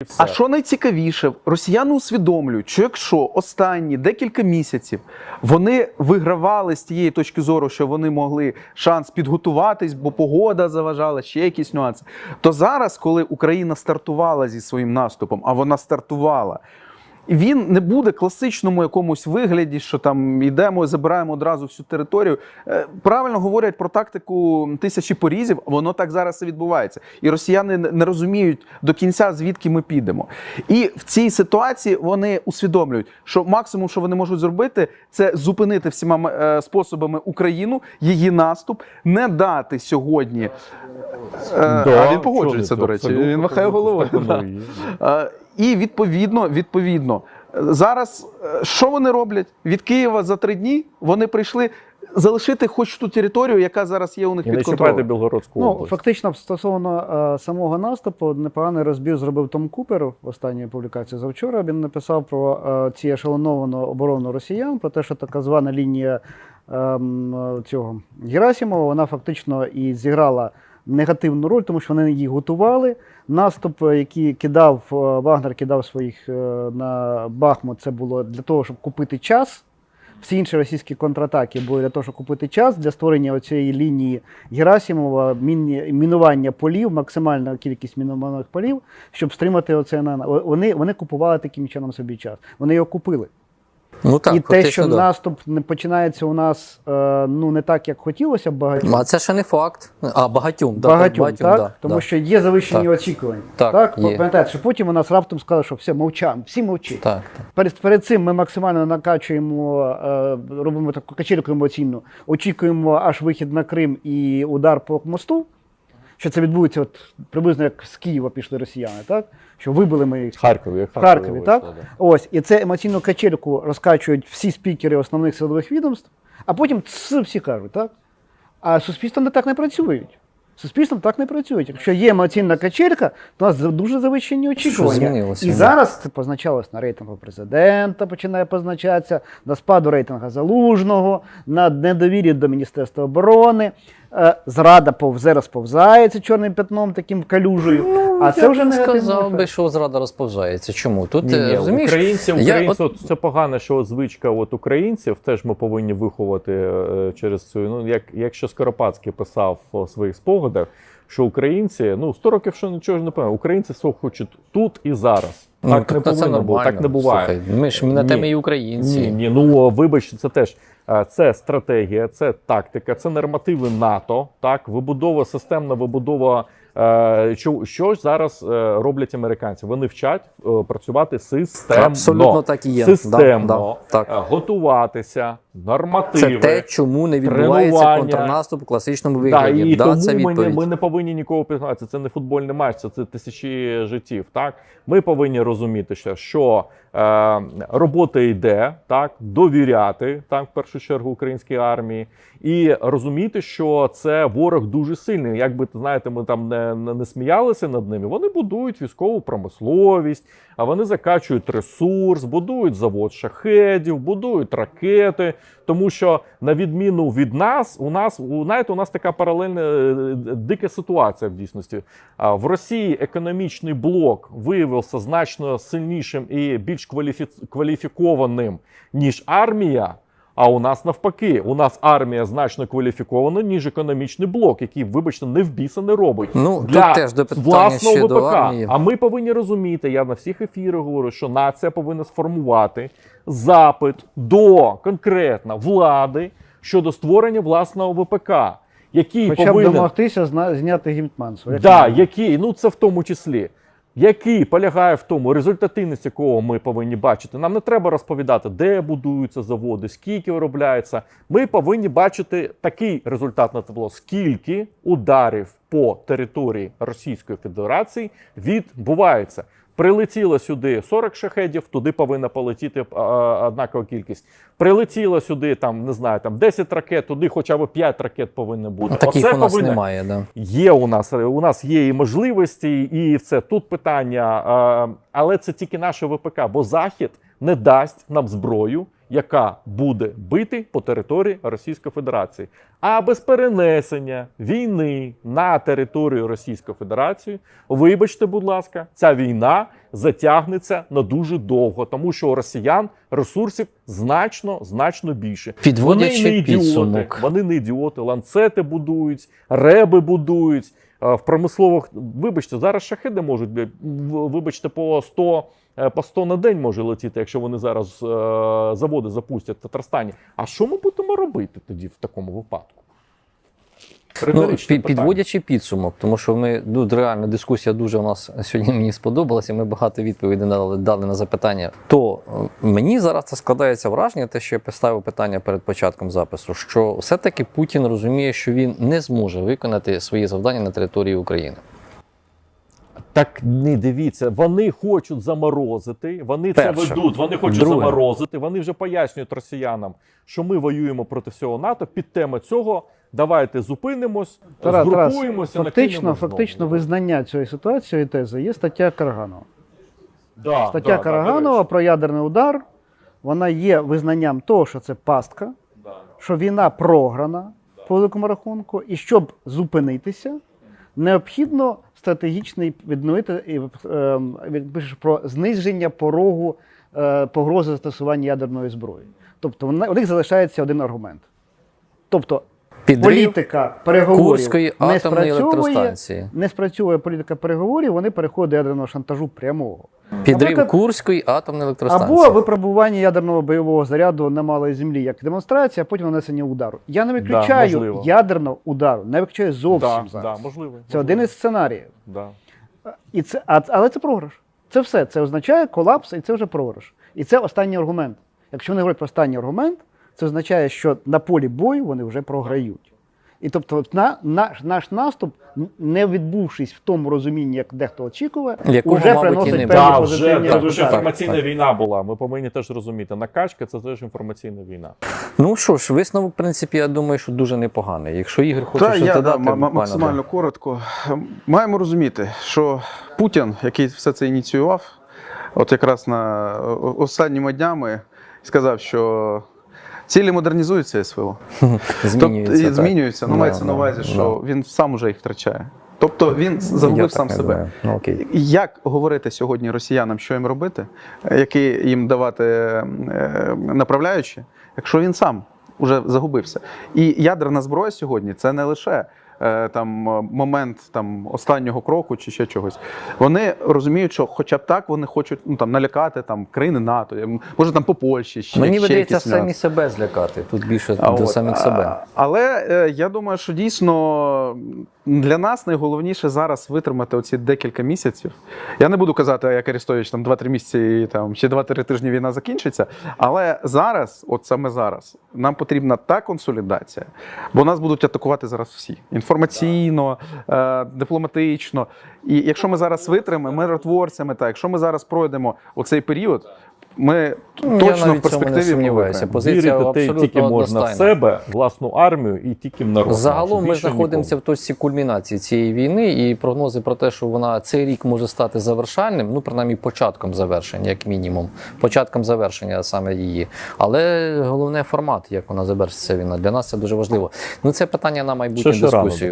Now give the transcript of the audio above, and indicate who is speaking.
Speaker 1: А що найцікавіше, росіяни усвідомлюють, що якщо останні декілька місяців вони вигравали з тієї точки зору, що вони могли шанс підготуватись, бо погода заважала, ще якісь нюанси, то зараз, коли Україна стартувала зі своїм наступом, а вона стартувала, він не буде класичному якомусь вигляді, що там йдемо і забираємо одразу всю територію. Правильно говорять про тактику тисячі порізів, воно так зараз і відбувається. І росіяни не розуміють до кінця, звідки ми підемо. І в цій ситуації вони усвідомлюють, що максимум, що вони можуть зробити, це зупинити всіма способами Україну, її наступ, не дати сьогодні... А він погоджується, до речі, він махає головою. І відповідно, зараз що вони роблять? Від Києва за 3 дні вони прийшли залишити хоч ту територію, яка зараз є у них під контролем.
Speaker 2: І не чіпайте Білгородську область.
Speaker 3: Фактично, стосовно самого наступу, непоганий розбір зробив Том Купер в останній публікації завчора. Він написав про ці ешелоновану оборону росіян, про те, що така звана лінія цього Герасимова, вона фактично і зіграла негативну роль, тому що вони її готували. Наступ, який кидав, Вагнер кидав своїх на Бахмут, це було для того, щоб купити час. Всі інші російські контратаки були для того, щоб купити час, для створення оцієї лінії Герасимова, мінування полів, максимальна кількість мінованих полів, щоб стримати оце. Вони купували таким чином собі час. Вони його купили.
Speaker 4: Ну, так,
Speaker 3: і те, що наступ не починається у нас не так, як хотілося б багатьом.
Speaker 4: А це ще не факт. А, багатьом,
Speaker 3: так?
Speaker 4: Да,
Speaker 3: тому що є завищені очікування. Так? Пам'ятаєте, що потім у нас раптом сказали, що все, мовчаємо, всі мовчать.
Speaker 4: Так.
Speaker 3: Перед цим ми максимально накачуємо, робимо таку качельку емоційну, очікуємо аж вихід на Крим і удар по мосту, що це відбудеться приблизно як з Києва пішли росіяни, так? Що вибили ми їх в Харкові, так? Ось, і це емоційну качельку розкачують всі спікери основних силових відомств, а потім всі кажуть, так? А суспільством так не працюють. Суспільством так не працюють. Якщо є емоційна качелька, то у нас дуже завищені очікування. І зараз це позначалось на рейтингу президента, починає позначатися, на спаду рейтингу Залужного, на недовір'ї до Міністерства оборони. Зрада розповзається чорним пятном, таким калюжею. А це вже не
Speaker 4: сказав би, що зрада розповзається. Чому? Тут, розумієш,
Speaker 2: українці, це погано, що звичка українців, теж ми повинні виховати через цю, якщо Скоропадський писав у своїх спогадах, що українці, 100 років що нічого ж не пам'ятаю, українці все хочуть тут і зараз. Так не повинно бути, так не буває.
Speaker 4: Слухай, ми ж на темі і українці.
Speaker 2: Ні, вибач, це теж. Це стратегія, це тактика, це нормативи НАТО, так, системна вибудова. Що ж зараз роблять американці? Вони вчать працювати системно.
Speaker 4: Абсолютно так і є.
Speaker 2: Системно, готуватися, нормативи.
Speaker 4: Це те, чому не відбувається контрнаступ у класичному вигляді.
Speaker 2: І тому
Speaker 4: це
Speaker 2: ми не повинні нікого підгнати. Це не футбольний матч, це тисячі життів. Так? Ми повинні розуміти, що робота йде, так, довіряти, так, в першу чергу, українській армії, і розуміти, що це ворог дуже сильний. Якби, знаєте, ми там не сміялися над ними, вони будують військову промисловість, а вони закачують ресурс, будують завод шахедів, будують ракети, тому що, на відміну від нас, у нас така паралельна дика ситуація в дійсності. В Росії економічний блок виявився значно сильнішим і більш кваліфікованим, ніж армія, а у нас навпаки. У нас армія значно кваліфікована, ніж економічний блок, який, вибачте, не в біса не робить.
Speaker 4: Для теж до
Speaker 2: власного ВПК.
Speaker 4: До армії.
Speaker 2: А ми повинні розуміти, я на всіх ефірах говорю, що нація повинна сформувати запит до конкретно влади щодо створення власного ВПК.
Speaker 3: Хоча б домогтися зняти Гетьманцев.
Speaker 2: Це в тому числі. Який полягає в тому, результативність якого ми повинні бачити. Нам не треба розповідати, де будуються заводи, скільки виробляється. Ми повинні бачити такий результат на табло, скільки ударів по території Російської Федерації відбувається. Прилетіло сюди 40 шахедів, туди повинна полетіти однакова кількість. Прилетіло сюди, 10 ракет, туди хоча б 5 ракет повинно бути.
Speaker 4: Таких у нас немає, да.
Speaker 2: Є у нас є і можливості, і все. Тут питання, але це тільки наше ВПК, бо Захід не дасть нам зброю яка буде бити по території Російської Федерації. А без перенесення війни на територію Російської Федерації, вибачте, будь ласка, ця війна затягнеться на дуже довго, тому що у росіян ресурсів значно більше.
Speaker 4: Підводячи підсумок.
Speaker 2: Вони не ідіоти, ланцети будують, реби будують. В промислових, вибачте, зараз шахеди можуть, вибачте, по 100 на день може летіти, якщо вони зараз заводи запустять в Татарстані. А що ми будемо робити тоді в такому випадку?
Speaker 4: Підводячи підсумок, тому що реально дискусія дуже у нас сьогодні мені сподобалася, ми багато відповідей дали на запитання. То мені зараз це складається враження, те, що я поставив питання перед початком запису, що все-таки Путін розуміє, що він не зможе виконати свої завдання на території України.
Speaker 2: Так не дивіться, вони хочуть заморозити, вони
Speaker 4: Перше.
Speaker 2: це ведуть, вони хочуть
Speaker 4: Друге.
Speaker 2: заморозити, вони вже пояснюють росіянам, що ми воюємо проти всього НАТО, під тему цього давайте зупинимось, згрупуємося,
Speaker 3: Фактично визнання цієї ситуації і тези є стаття Караганова. Стаття
Speaker 2: до
Speaker 3: Караганова
Speaker 2: речі.
Speaker 3: про ядерний удар, вона є визнанням того, що це пастка, що війна програна по великому рахунку, і щоб зупинитися, необхідно стратегічний відновити пишеш про зниження порогу погрози застосування ядерної зброї. Тобто у них залишається один аргумент. Тобто політика переговорів
Speaker 4: Курської атомної електростанції.
Speaker 3: не спрацьовує політика переговорів, вони переходять до ядерного шантажу прямого.
Speaker 4: Підрив
Speaker 3: Наприклад,
Speaker 4: Курської атомної електростанції.
Speaker 3: або випробування ядерного бойового заряду на малій землі як демонстрація, а потім нанесення удару. Я не виключаю
Speaker 2: можливо.
Speaker 3: ядерного удару, не виключаю зовсім зараз.
Speaker 2: Можливо.
Speaker 3: Це один із сценаріїв.
Speaker 2: Да.
Speaker 3: Але це програш. Це все. Це означає колапс, і це вже програш. І це останній аргумент. Якщо вони говорять про останній аргумент, це означає, що на полі бою вони вже програють. І тобто наш наступ, не відбувшись в тому розумінні, як дехто очікує,
Speaker 4: Якого,
Speaker 3: вже
Speaker 4: мабуть, і
Speaker 3: приносить
Speaker 4: не
Speaker 3: певні
Speaker 2: Так,
Speaker 3: позитивні
Speaker 2: вже це дуже
Speaker 3: результати.
Speaker 2: інформаційна війна була. Ми повинні теж розуміти. Накачка це теж інформаційна війна.
Speaker 4: Ну що ж, висновок, в принципі, я думаю, що дуже непоганий. Якщо Ігор хоче щось додати, буквально,
Speaker 1: максимально коротко. Маємо розуміти, що Путін, який все це ініціював, от якраз на останніми днями сказав, що цілі модернізуються СВО.
Speaker 4: змінюється.
Speaker 1: Тобто, змінюються.
Speaker 4: Да,
Speaker 1: мається на увазі, що він сам уже їх втрачає. Тобто він загубив сам себе.
Speaker 4: Думаю. Ну, окей.
Speaker 1: Як говорити сьогодні росіянам, що їм робити, які їм давати направляючі, якщо він сам уже загубився? І ядерна зброя сьогодні це не лише момент останнього кроку чи ще чогось. Вони розуміють, що хоча б так вони хочуть налякати країни НАТО, може по Польщі,
Speaker 4: Мені
Speaker 1: ще
Speaker 4: видається
Speaker 1: якісь
Speaker 4: самі
Speaker 1: нюанси.
Speaker 4: себе злякати. Тут більше до самих себе.
Speaker 1: Але я думаю, що дійсно для нас найголовніше зараз витримати оці декілька місяців. Я не буду казати, як Арестович, 2-3 місяці і ще 2-3 тижні війна закінчиться. Але зараз, от саме зараз, нам потрібна та консолідація, бо нас будуть атакувати зараз всі. Інформаційно, дипломатично. І якщо ми зараз витримаємо миротворцями, якщо ми зараз пройдемо оцей період, ми точно в перспективі
Speaker 4: сумніваюся. Позиція
Speaker 2: Вірити
Speaker 4: абсолютно
Speaker 2: тільки можна в
Speaker 4: одностайна.
Speaker 2: себе, власну армію і тільки в народ.
Speaker 4: Загалом ми
Speaker 2: Більше
Speaker 4: знаходимося
Speaker 2: нікому.
Speaker 4: в точці кульмінації цієї війни, і прогнози про те, що цей рік може стати завершальним, принаймні початком завершення, як мінімум. Початком завершення саме її. Але головне формат, як вона завершиться війна. Для нас це дуже важливо. Це питання на майбутню
Speaker 2: Ще рано.
Speaker 4: дискусію.